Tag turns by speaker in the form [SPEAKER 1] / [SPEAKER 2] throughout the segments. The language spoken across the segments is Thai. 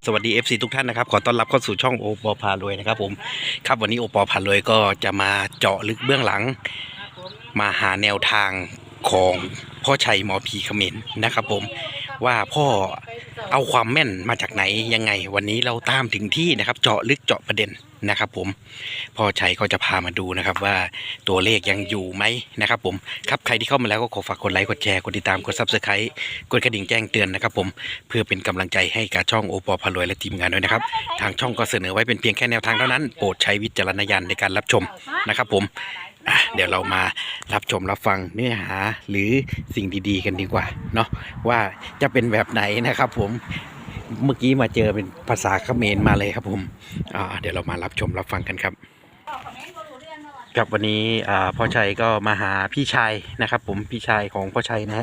[SPEAKER 1] วัสดี FC ทุกท่านนะครับขอต้อนรับเข้าสู่ช่องโอปอพารวยนะครับผมครับวันนี้โอปอพารวยก็จะมาเจาะลึกเบื้องหลังมาหาแนวทางของพ่อชัยหมอผีเขมรนะครับผมว่าพ่อเอาความแม่นมาจากไหนยังไงวันนี้เราตามถึงที่นะครับเจาะลึกเจาะประเด็นนะครับผมพ่อชัยก็จะพามาดูนะครับว่าตัวเลขยังอยู่ไหมนะครับผมครับใครที่เข้ามาแล้วก็ขอฝากกดไลค์กดแชร์กดติดตามกด Subscribe กดกระดิ่งแจ้งเตือนนะครับผมเพื่อเป็นกำลังใจให้กับช่องโอปอพารวยและทีมงานด้วยนะครับทางช่องก็เสนอไว้เป็นเพียงแค่แนวทางเท่านั้นโปรดใช้วิจารณญาณในการรับชมนะครับผมเดี๋ยวเรามารับชมรับฟังเนื้อหาหรือสิ่งดีๆกันดีกว่าเนาะว่าจะเป็นแบบไหนนะครับผมเมื่อกี้มาเจอเป็นภาษาเขมรมาเลยครับผมเดี๋ยวเรามารับชมรับฟังกันครับกับวันนี้พ่อชัยก็มาหาพี่ชายนะครับผมพี่ชายของพ่อชัยนะฮะ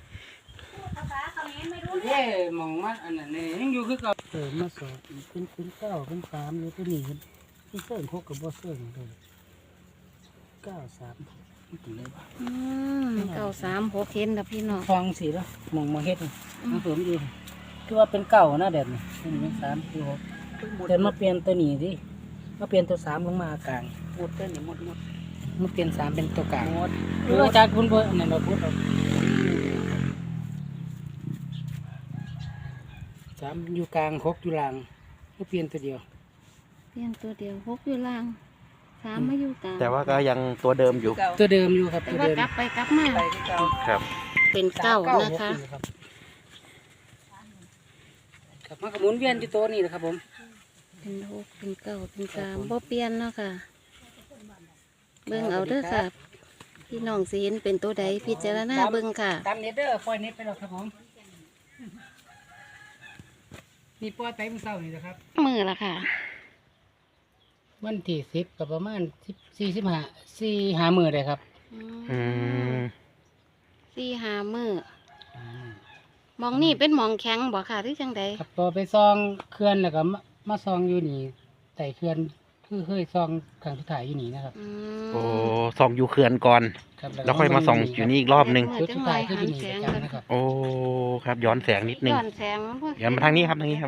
[SPEAKER 2] มองมาอันนั้นนี่ยังอยู่คือเก่ามาสอบเป็นเก้าเป็นสามอยู่ตัวนี้ที่เส้นพกกับบ่เส้นเลย93
[SPEAKER 3] 936เห็นนะพี่น้อง
[SPEAKER 2] ฟังสิแล้วมองเฮ็ดมันเสริมอยู่คือว่าเป็นเก่านะเด็ดนี่เป็น3คือ6แต่มาเปลี่ยนตัวนี้ดิมาเปลี่ยนตัว3ลงมากลางหมดตัวนี้หมดมาเปลี่ยน3เป็นตัวกลางหมดคืออาจารย์คุณเพิ่นนั่นเราพูดเอา3อยู่กลาง6อยู่ล่างก็เปลี่ยนตัวเดียว
[SPEAKER 3] 6อยู่ล่าง3มาอยู่กลาง
[SPEAKER 1] แต่ว่าก็ยังตัวเดิมอยู่
[SPEAKER 2] ตัวเดิมอยู่ครับ
[SPEAKER 3] แต่ว่ากลับไปกลับมา
[SPEAKER 1] ครับ
[SPEAKER 3] เป็นเก้านะคะ
[SPEAKER 2] ครับมันก็หมุนเวียนอยู่ตัวนี้นะครับผม
[SPEAKER 3] เป็น6เป็น9เป็น3บ่เปลี่ยนเนาะค่ะเบิ่งเอาเด้อค่ะพี่น้องสิเห็นเป็นตัวใดพิจารณาเบิ่งค่ะ
[SPEAKER 2] ตามเน็ตเด้อปล่อยเน็ตไปแล้วครับผมนี่ปล่อยไปมื้อเช้านี่นะครับ
[SPEAKER 3] มือละค่ะ
[SPEAKER 2] วันที่10ก็ประมาณ45มื้อได้ครับ
[SPEAKER 3] 4-5 มื้อมองนี่เป็นหมองแข็งบ่ค่ะหรือจังใด
[SPEAKER 2] ครับพอไปซองเขื่อนแล้วก็มาซองอยู่นี่ใต้เขื่อนคือเคยซองครั้งสุดท้ายอยู่นี่นะครับ
[SPEAKER 1] โอ้ส่องอยู่เขื่อนก่อนแล้วค่อยมาส่องอยู่นี่อีกรอบนึง
[SPEAKER 2] จุดสุดท้ายคืออยู่นี่ประจำนะครับ
[SPEAKER 1] โอ้ครับย้อนแสงนิดนึง
[SPEAKER 3] ย้อนแสง
[SPEAKER 1] ย้อนมาทางนี้ครับ
[SPEAKER 2] ครับ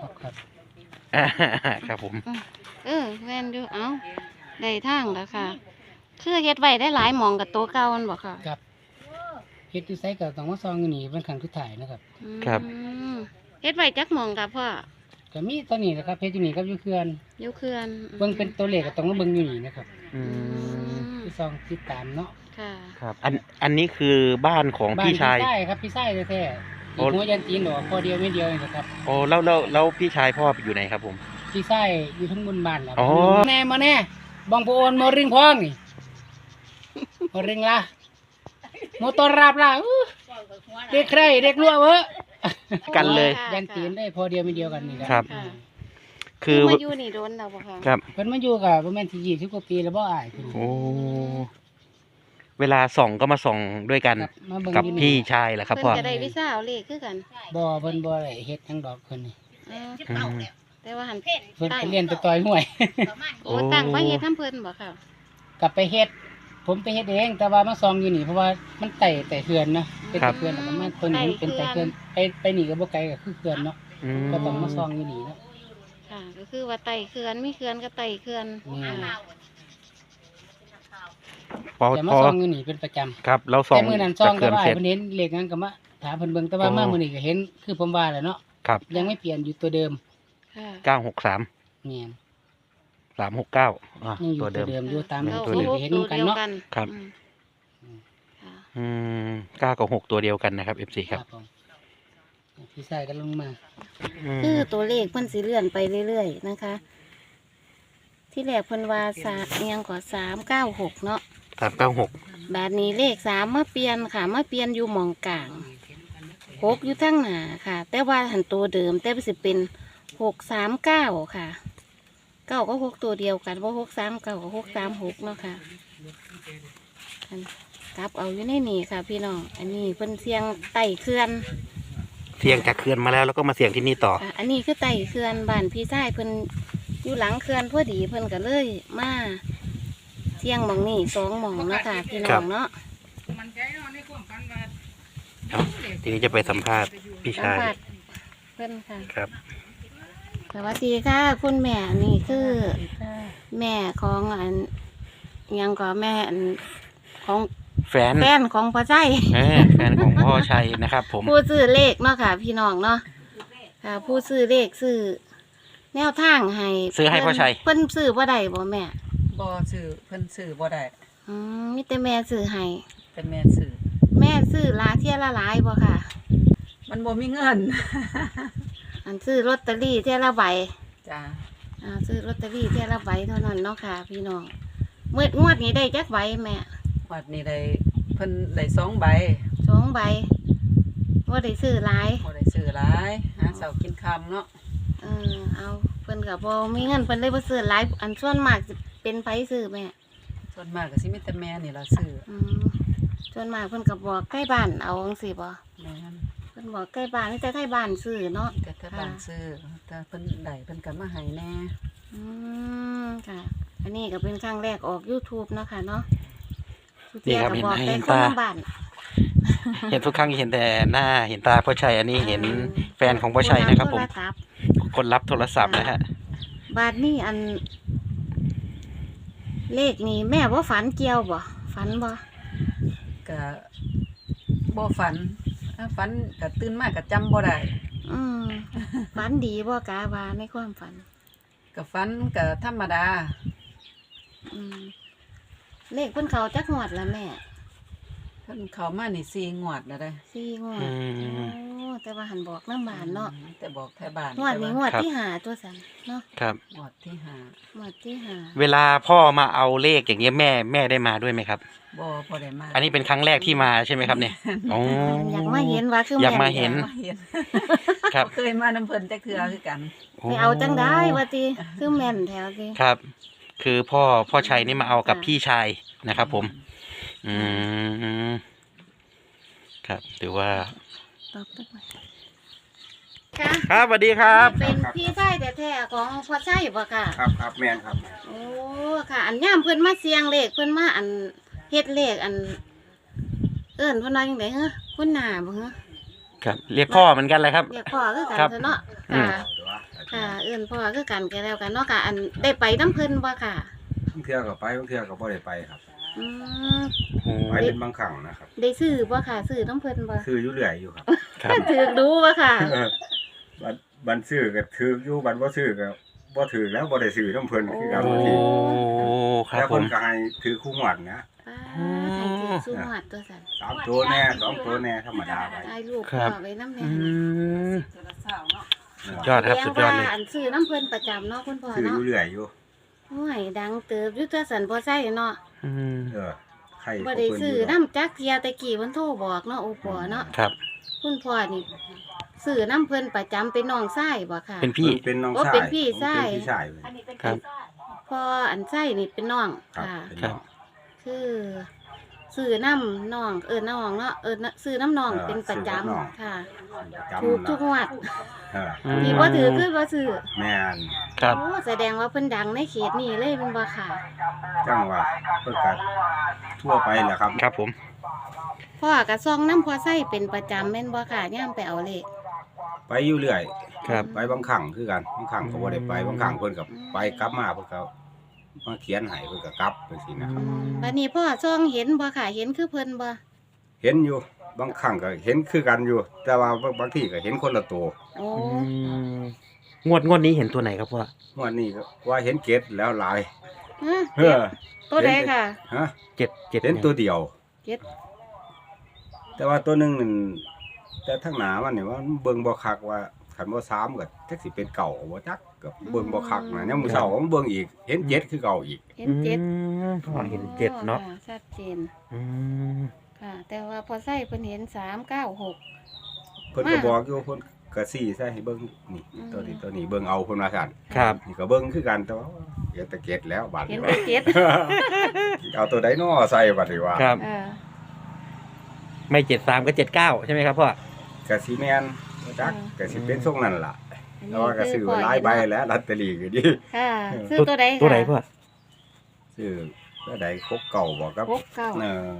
[SPEAKER 1] ครับผม
[SPEAKER 3] แม่นดูเอ้าได้ทางแล้วค่ะคือเฮ็ดไว้ได้หลายหมองกับตัวเก่ามันบ่ค่ะ
[SPEAKER 2] ครับเฮ็ดอยู่ไสก็ต้องมาซองอยู่นี่เป็นครั้งสุดท้ายนะครับ
[SPEAKER 1] ครับ
[SPEAKER 3] เฮ็ดไว้จักหมองครับพ่อ
[SPEAKER 2] ก็มีตัวนี้นะครับเฮ็ดอยู่นี่ครับอยู่เขื่อนเบิ่งเป็นตัวเลขก็ต้องมาเบิ่งอยู่นี่นะครับที่ซองติดตามเนาะ
[SPEAKER 3] ค่ะ
[SPEAKER 1] ครับอันนี้คือบ้านของพี่ชาย
[SPEAKER 2] ใช่ครับพี่ชายแท้ๆหัวยันตีนหรอพอเดียวไม่เดียวเองครับ
[SPEAKER 1] โอ้แล้วพี่ชายพ่ออยู่ไหนครับผม
[SPEAKER 2] พี่ชายอยู่ทั้งบนบ้านแล้วแน่มาแน่บางโพนมอริงพองนี่มอริงละโมตอราบละเด็กใครเด็กรั่วเวะ
[SPEAKER 1] กันเลย
[SPEAKER 2] ยันตีนได้พอเดียวไม่เดียวกันนี่
[SPEAKER 1] ครับ
[SPEAKER 3] คือมาอยู่นี่โดนแล้วบ่คะ
[SPEAKER 1] ครับ
[SPEAKER 2] เพิ่นมาอยู่กับประมาณ20 กว่าปีแล้วบ่อาย
[SPEAKER 1] โอ้เวลาส่องก็มาส่องด้วยกันกับพี่ชายแหละครับพ่อ
[SPEAKER 3] เพิ่นจะได้วิชาเอาเลขคือกัน
[SPEAKER 2] บ่เพิ่นบ่ได้เฮ็ดทั้งดอกเพิ่นนี่
[SPEAKER 3] แต่ว่าหัน
[SPEAKER 2] เพิ่นไปเรียนไปต่อยมวย
[SPEAKER 3] โอ้ตั้งไว้เฮ็ดทำเพิ่นบ่ค่ะ
[SPEAKER 2] กลับไปเฮ็ดผมไปเฮ็ดเองแต่ว่ามาซองอยู่นี่เพราะว่ามันไต่เขื่อนนะเป็นเขื่อนแล้วมันตัวนี้เป็นไต่เขื่อนไปนี่ก็บ่ไกลก็คือเขื่อนเนาะก็ต้องมาซองอยู่นี่เนาะ
[SPEAKER 3] ค่ะก็คือว่าไต่เขื่อนมีเขื่อนก็ไต่เขื่อน
[SPEAKER 2] จะมาซองอยู่นี่เป็นประจำ
[SPEAKER 1] ครับเราส่อง
[SPEAKER 2] แต่มื้อนั้นซองก็ว่าเพิ่นเห็นเลขนั้นก็มาถามเพิ่นเบิ่งแต่ว่ามามื้อนี้ก็เห็นคือผมว่าแหละเนาะยังไม่เปลี่ยนอยู่ตัวเดิม
[SPEAKER 1] 963
[SPEAKER 2] เนี่ย
[SPEAKER 1] 369
[SPEAKER 2] ตัวเดิมอยู่ตามที่เห็นกันเนาะ
[SPEAKER 1] ครับ9 กับ 6ตัวเดียวกันนะครับ FC ครับ
[SPEAKER 2] พี่ชายก็ลงมา
[SPEAKER 3] คือตัวเลขเพิ่นสิเลื่อนไปเรื่อยๆนะคะที่แรกเพิ่นว่ายังกว่า396เนาะ
[SPEAKER 1] 396
[SPEAKER 3] บาดนี้เลข3มาเปลี่ยนค่ะมาเปลี่ยนอยู่หม่องกลาง6อยู่ทั้งหน้าค่ะแต่ว่าหันตัวเดิมแต่สิเป็น639ค่ะ9ก็6ตัวเดียวกันว่า639กับ636เนาะค่ะกลับเอาอยู่ในนี่ค่ะพี่น้องอันนี้เพิ่นเสียงไต่เขื่อน
[SPEAKER 1] เสียงจากเขื่อนมาแล้วก็มาเสียงที่นี่ต่อ
[SPEAKER 3] อันนี้คือไต่เขื่อนบ้านพี่ชายเพิ่นอยู่หลังเขื่อนพอดีเพิ่นก็เลยมาเสียงหม่องนี่2หม่องเนาะค่ะพี่น้องเนาะ
[SPEAKER 1] ทีนี้จะไปสัมภาษณ์พี่ชาย
[SPEAKER 3] เพิ่นค่ะ
[SPEAKER 1] ครับ
[SPEAKER 3] สวัสดีค่ะคุณแม่นี่คือแม่ของอันอิหยังก็แม่อันของ
[SPEAKER 1] แฟน
[SPEAKER 3] แฟนของพ่อใจ
[SPEAKER 1] แฟนของพ่อชัยนะครับ ผม
[SPEAKER 3] ผู้ซื้อเลขเนาะค่ะ พี่น้องเนาะค่ะ ผู้ซื้อเลขซื้อแนวทางให้
[SPEAKER 1] ซื้อให้พ่อชัย
[SPEAKER 3] เพิ่นซื้อบ่ได้บ่แม่
[SPEAKER 4] บ่ซื้อเพิ่นซื้อบ่ได้
[SPEAKER 3] มีแต่แม่ซื้อให้
[SPEAKER 4] เป็นแม่ซื้อ
[SPEAKER 3] แม่ซื้อลาเที่ยละหลายบ่ค่ะ
[SPEAKER 4] มันบ่มีเงิน
[SPEAKER 3] อันซื้อลอตเตอรี่เที่ยละใบ
[SPEAKER 4] จ้า
[SPEAKER 3] ซื้อลอตเตอรี่เที่ยละใบเท่านั้นเนาะค่ะ พี่น้องงวดนี้ได้จักใบแม่
[SPEAKER 4] วัดนี้ได้เพิ่นได้2ใบ
[SPEAKER 3] 2 ใบว่าได้ซื้อหลาย
[SPEAKER 4] บ่ได้ซื้อหลายหาเช้ากินค่ำเนาะ
[SPEAKER 3] เอาเพิ่นก็บ่มีเงินเพิ่นเลยบ่ซื้อหลายอันส่วนมากสิเป็นไผซื้อแม่
[SPEAKER 4] ส่วนมากก็สิมีแต่แม่นี่ล่ะซื้อ
[SPEAKER 3] ส่วนมากเพิ่นก็บอกใกล้บ้านเอาจังซี่บ่
[SPEAKER 4] แม่น
[SPEAKER 3] เพิ่นบอกใกล้บ้านนี่แต่ใกล้บ้านซื้อเนาะ
[SPEAKER 4] แต่ถ้าบ้านซื้อถ้าเพิ่นได้เพิ่นก็มาให้แน่
[SPEAKER 3] ค่ะ อันนี้ก็เป็นครั้งแรกออก YouTube เนาะค่ะเนาะ
[SPEAKER 1] นี่ครับ
[SPEAKER 3] ก็บอก
[SPEAKER 1] เห็
[SPEAKER 3] แต่
[SPEAKER 1] น
[SPEAKER 3] คน
[SPEAKER 1] ตา
[SPEAKER 3] ทางบ้าน
[SPEAKER 1] เห็นทุกครั้งเห็นแต่หน้าเห็นตาพ่อชัยอันนี้เห็นแฟนของพ่อชัยนะครับ ผม
[SPEAKER 3] โทศัพท์
[SPEAKER 1] คนรับโทรศัพท์นะฮะ
[SPEAKER 3] บาทนี่อัน เลขนี่แม่ว่าฝันเกี่ยวบ่ฝันบ่
[SPEAKER 4] ก็บ่ฝันถ้าฝันก็ตื่นมาก็จำบ่ได้
[SPEAKER 3] ฝันดีบ่กาว่าในความฝัน
[SPEAKER 4] ก็ฝันก็ธรรมดา
[SPEAKER 3] เลขเพิ่นเขาจักงวดละแม่
[SPEAKER 4] เพิ่นเข้ามานี่4งวดแล้วเด้
[SPEAKER 3] 4งวด
[SPEAKER 1] อืม
[SPEAKER 3] โอ้แต่ว่าหันบอกน้ำบานเนาะ
[SPEAKER 4] แต่บอกแท้บ้าน
[SPEAKER 3] งวดนี้งวด
[SPEAKER 1] ครับ
[SPEAKER 3] ที่หาตัวสันเนาะ
[SPEAKER 1] ครับ
[SPEAKER 4] งวดที่ห้าง
[SPEAKER 3] วดที่หา
[SPEAKER 1] เวลาพ่อมาเอาเลขอย่างเงี้ยแม่ได้มาด้วยไหมครับ
[SPEAKER 4] บ่ได้มา
[SPEAKER 1] อันนี้เป็นครั้งแรกที่มาใช่ไหมครับเนี่ยอ๋อ
[SPEAKER 3] อยากมาเห็นว่าคือ
[SPEAKER 1] อยาก
[SPEAKER 3] แม่
[SPEAKER 1] มาเห็น
[SPEAKER 4] มาเห็น
[SPEAKER 1] ครับ
[SPEAKER 4] เคยมาน้ำเพิ่นจักเทื่อคือกัน
[SPEAKER 3] ไปเอาจังได้ว่าติคือแม่นแถวติ
[SPEAKER 1] ครับ คือพ่อชัยนี่มาเอากับพี่ชายนะครับ ผม อืมครับถือว่า
[SPEAKER 3] ตอบได้ไหมค่ะ
[SPEAKER 1] ครับสวัสดีครับ
[SPEAKER 3] เป็นพี่ชายแท้ๆของพ่อชัยบ่ค่ะ
[SPEAKER 5] ครับแม่นครับ
[SPEAKER 3] โอ้ค่ะ อันย่ามเพิ่นมาเสียงเลขเพิ่นมาอันเฮ็ดเลขอัน เอิ้นเพิ่นว่าจังได๋ฮะคุณหน้าบ่ฮะ
[SPEAKER 1] ครับ เรียกพ่อเหมือนกันเลยครับ
[SPEAKER 3] เรียกพ่อคือกัน
[SPEAKER 1] ครับ
[SPEAKER 3] เถอะเนาะ
[SPEAKER 1] อืม
[SPEAKER 3] ค่ะ ค่ะ เอิ้นพ่อคือกันก็แล้วกันเนาะค่ะ อันได้ไปน้ำเพิ่นบ่ค่ะ
[SPEAKER 5] บางเทื่อก็ไปบางเทื่อก็บ่ได้ไปครับ
[SPEAKER 3] อืม
[SPEAKER 1] โอ้
[SPEAKER 5] ไปเป็นบางครั้งนะครับ
[SPEAKER 3] ได้ซื้อบ่ค่ะซื้อน้ำเพิ่นบ่
[SPEAKER 5] ซื้ออยู่เรื่อยอยู่ครับ
[SPEAKER 1] ครับ
[SPEAKER 3] ถือดูบ่ค่ะ
[SPEAKER 5] บันซื้อก็ถืออยู่บันบ่ซื้อก็บ่ถือแล้วบ่ได้ซื้อน้ำเพิ่นคือกัน
[SPEAKER 1] โอ้
[SPEAKER 5] บางที
[SPEAKER 1] ครับ
[SPEAKER 5] แล้ว
[SPEAKER 1] ผ
[SPEAKER 5] เพิ่
[SPEAKER 1] ม
[SPEAKER 5] นก็ให้ถือคู่หวดนะ
[SPEAKER 3] ป้าให้ถือสู้หมัดตัวสั่น
[SPEAKER 5] 3ตัวแน่2ตัวแน่ธรรมดาไป
[SPEAKER 3] ได้ลูก
[SPEAKER 1] ครับ
[SPEAKER 3] พ่อไว้น้ำแม่
[SPEAKER 1] อืม
[SPEAKER 4] เทื่อละเช้าเนาะ
[SPEAKER 1] ยอดครับสุดยอดเลย
[SPEAKER 3] แสว่าอันซื้อน้ำเพิ่นประจำเนาะคุณพ่อ
[SPEAKER 5] ซื้ออ
[SPEAKER 3] เนาะ
[SPEAKER 5] ยู่เรื่อยอยู่
[SPEAKER 3] โอ้ยดังเติบอยู่ตัวสั่นบ่ใช่เนาะ
[SPEAKER 1] อืม
[SPEAKER 5] ใคร
[SPEAKER 3] บ่ได้ซื้อน้ำจักเทียแต่กี้เพิ่นโทรบอกเนาะโอปอเนาะ
[SPEAKER 1] ครับ
[SPEAKER 3] คุณพ่อนี่ซื้อน้ำเพิ่นประจำเป็นน้องชายบ่ค่ะ
[SPEAKER 1] เป็นพี่
[SPEAKER 5] เป็นน้อง
[SPEAKER 3] โอ้
[SPEAKER 5] ชาย
[SPEAKER 3] เป็นพี่ชาย
[SPEAKER 5] เป็นพี่ชาย
[SPEAKER 1] ครับ
[SPEAKER 3] พ่ออันชายนี่เป็นน้อง
[SPEAKER 5] ครับ
[SPEAKER 3] ค่ะ
[SPEAKER 5] เป็น
[SPEAKER 1] ครั
[SPEAKER 5] น้
[SPEAKER 1] บ
[SPEAKER 5] อง
[SPEAKER 3] คือซื้อน้ำน้องน้องเนาะซื้อน้ำน้องเป็นประจำค่ะ
[SPEAKER 5] จำ
[SPEAKER 3] ถูกทุกงวด
[SPEAKER 5] เออ
[SPEAKER 1] อืม
[SPEAKER 3] ที่บ่ถือคือบ่ซื้อ
[SPEAKER 5] แม่น
[SPEAKER 1] ครับ
[SPEAKER 3] โอ้แสดงว่าเพิ่นดังในเขตนี้เลยเป็นบ่ค่ะ
[SPEAKER 5] จังว่าเพิ่นก็ทั่วไปแหละครับ
[SPEAKER 1] ครับผม
[SPEAKER 3] พ่อกับซองน้ำพอใส่เป็นประจำแม่นบ่ค่ะย่ามไปเอาเลข
[SPEAKER 5] ไปอยู่เรื่อย
[SPEAKER 1] ครับ
[SPEAKER 5] ไปบางครั้งคือกันบางครั้งก็บ่ได้ไปบางครั้งเพิ่นก็ไปกลับมาเพิ่นก็มาเขียนให้เพิ่นก็กลับจังซี่นะครับ
[SPEAKER 3] บัดนี้พ่อซองเห็นบ่ค่ะ เห็นคือเพิ่นบ่
[SPEAKER 5] เห็นอยู่บางครั้งก็เห็นคือกันอยู่ แต่ว่าบางทีก็เห็นคนละตัว
[SPEAKER 3] โอ้
[SPEAKER 1] งวดนี้เห็นตัวไหนครับพ่อ
[SPEAKER 5] วันนี้ก็ว่าเห็นเกตแล้วหลาย
[SPEAKER 3] ฮะ
[SPEAKER 5] เฮ้อ
[SPEAKER 3] ตัวใดค่ะ
[SPEAKER 5] ฮะ
[SPEAKER 1] เจ็ด
[SPEAKER 5] เห็นตัวเดียว
[SPEAKER 3] เจ็ด
[SPEAKER 5] แต่ว่าตัวหนึงนั่นแต่ทั้งหนามันนี่ว่ามันเบิ่งบ่คักว่าคันบ่3ก็จักสิเป็นเก่าบ่จักก็เบิ่งบ่คักนะยามมื้อเช้าก็มาเบิ่งอีก เห็นเจ็ดคือเก่าอีก
[SPEAKER 3] เห็นเจ็ด
[SPEAKER 1] พ่อเห็นเจ็ดเนาะ
[SPEAKER 3] อ๋อค่ะชัดเจน
[SPEAKER 1] อืม
[SPEAKER 3] ค่ะ แต่ว่าพอใส่เพิ่นเห็น396
[SPEAKER 5] เพิ่นก็บอกอยู่เพิ่นก็ซี่ใส่ให้เบิ่งนี่ตัวนี้เบิ่งเอาเพิ่นว่าซั่น
[SPEAKER 1] ครับ
[SPEAKER 5] นี่ก็เบิ่งคือกันแต่ว่าเห็นแต่เกตแล้วบาด
[SPEAKER 3] เห็น
[SPEAKER 5] นี้
[SPEAKER 3] แต่เจ็ด
[SPEAKER 5] เอาตัวใดน้อใส่บัดนี้ว่า
[SPEAKER 1] ครับ
[SPEAKER 3] เออ
[SPEAKER 1] ไม่73ก็79ใช่ไหมครับพ่อ
[SPEAKER 5] ก็สิแม่นบ่จักก็สิเป็นทรงนั้นล่ะ
[SPEAKER 3] อัน
[SPEAKER 5] แต่ว่าก็ซื้อหลายใบแล้วลอตเตอรี่ก็ดี
[SPEAKER 3] ค่ะซื้อตัวใดค่ะ
[SPEAKER 1] ตัวไหนพ่อ
[SPEAKER 5] ซื้อแล้วใดครบเก่าบ่ครับ
[SPEAKER 3] 69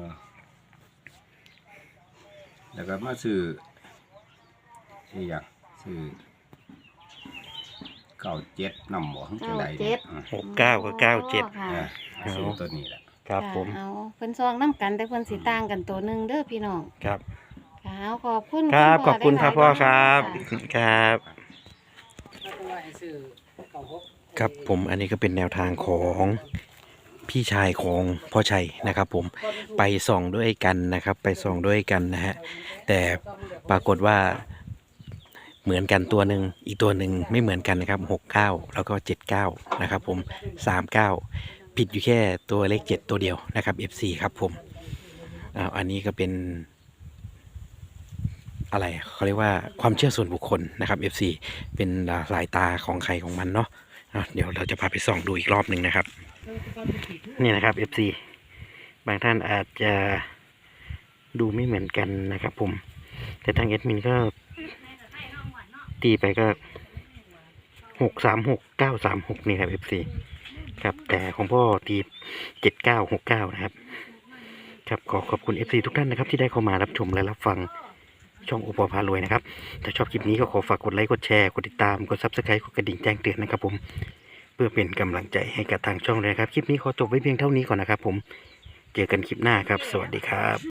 [SPEAKER 5] แล้วก็มาซื้ออีหยังซื้อ 97นำบ่จังได๋
[SPEAKER 1] 69กับ97
[SPEAKER 3] ค่ะ
[SPEAKER 5] ซื้อตัวนี้แหละ
[SPEAKER 1] ครับ
[SPEAKER 3] ะ
[SPEAKER 1] ผม
[SPEAKER 3] เอาเพิ่นซองน้ำกันแต่เพิ่นสิต่างกันตัวหนึงเด้อพี่น้อง
[SPEAKER 1] ครับ
[SPEAKER 3] ค่ะเอาขอบคุณ
[SPEAKER 1] ครับ
[SPEAKER 3] ณ
[SPEAKER 1] ขอบคุณครับพ่อครับ
[SPEAKER 3] ค่ะ
[SPEAKER 1] ครับ
[SPEAKER 2] แล้วก็ว่าให้ซื้อเก่าหก
[SPEAKER 1] ครับผมอันนี้ก็เป็นแนวทางของพี่ชายของพ่อชัยนะครับผมไปส่องด้วยกันนะครับ ไปส่องด้วยกันนะฮะแต่ปรากฏว่าเหมือนกันตัวหนึ่งอีกตัวหนึ่งไม่เหมือนกันนะครับ69แล้วก็79นะครับผม39ผิดอยู่แค่ตัวเลข7ตัวเดียวนะครับ FC ครับผมอันนี้ก็เป็นอะไรเขาเรียกว่าความเชื่อส่วนบุคคลนะครับ FC เป็นสายตาของใครของมันเนาะเดี๋ยวเราจะพาไปส่องดูอีกรอบหนึ่งนะครับนี่นะครับ FC บางท่านอาจจะดูไม่เหมือนกันนะครับผมแต่ทางเอดมินก็ตีไปก็636 936นี่ครับ FC ครับแต่ของพ่อตี7969นะครับครับขอบคุณ FC ทุกท่านนะครับที่ได้เข้ามารับชมและรับฟังช่องโอปอพารวยนะครับถ้าชอบคลิปนี้ก็ขอฝากกดไลค์กดแชร์กดติดตามกด Subscribe กดกระดิ่งแจ้งเตือนนะครับผมเพื่อเป็นกำลังใจให้กับทางช่องเลยครับคลิปนี้ขอจบไว้เพียงเท่านี้ก่อนนะครับผมเจอกันคลิปหน้าครับสวัสดีครับ